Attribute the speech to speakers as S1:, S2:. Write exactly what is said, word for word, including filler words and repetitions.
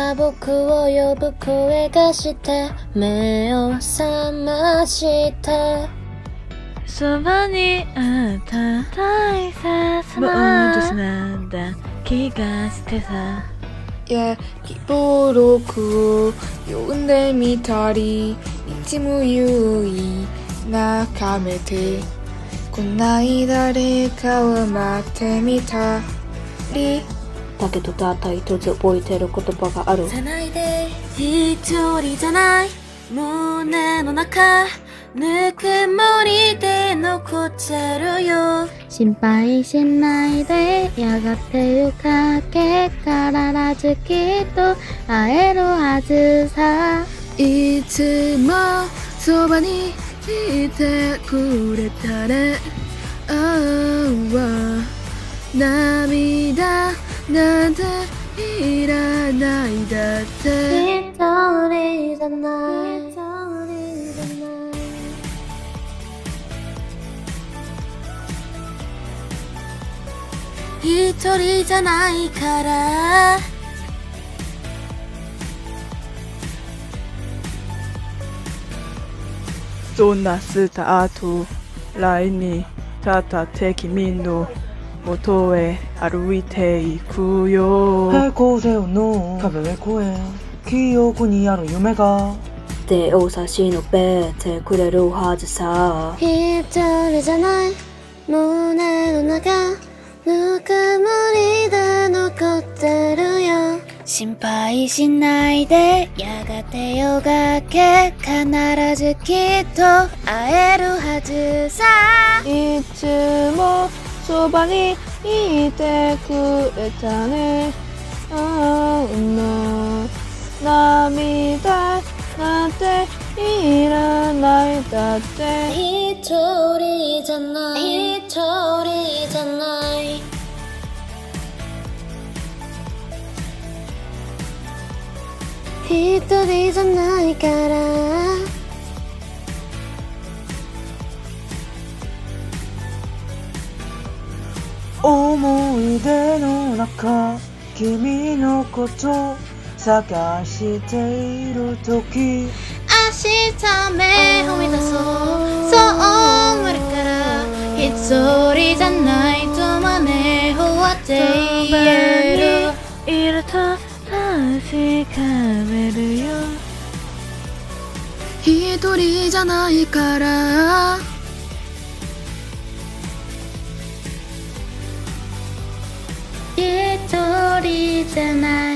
S1: が僕を呼ぶ声がして目を覚ました
S2: そばにあった大切な年なんだ気がしてさ
S3: 焼きボロクを呼んでみたりいつも優位眺めてこない誰かを待ってみたり
S1: だけどたった一つ覚えてる言葉がある
S4: じゃないで一人じゃない胸の中ぬくもりで残ってるよ
S5: 心配しないでやがて夜影からずきっと会えるはずさ
S3: いつもそばにいてくれたねああ涙なんていらないだって
S1: 一人じゃない
S4: 一人じゃないから
S2: そんなスタートラインに立って君の元へ歩いていくよ
S6: 平行線の壁越え記憶にある夢が
S1: 手を差し伸べてくれるはずさ
S5: 一人じゃない胸の中ぬくもりで残ってるよ心配しないでやがて夜がけ必ずきっと会えるはずさ
S3: いつもそばにいてくれたねああ涙なんていらないだって
S1: 一人じゃない一人じゃない
S5: 一人じゃないから
S6: 思い出の中君のこと探している時
S4: 明日目を目指そうそう思えるから一人じゃないと胸を割って言える
S2: いると確かめるよ
S3: 一人じゃないから
S5: 一人じゃない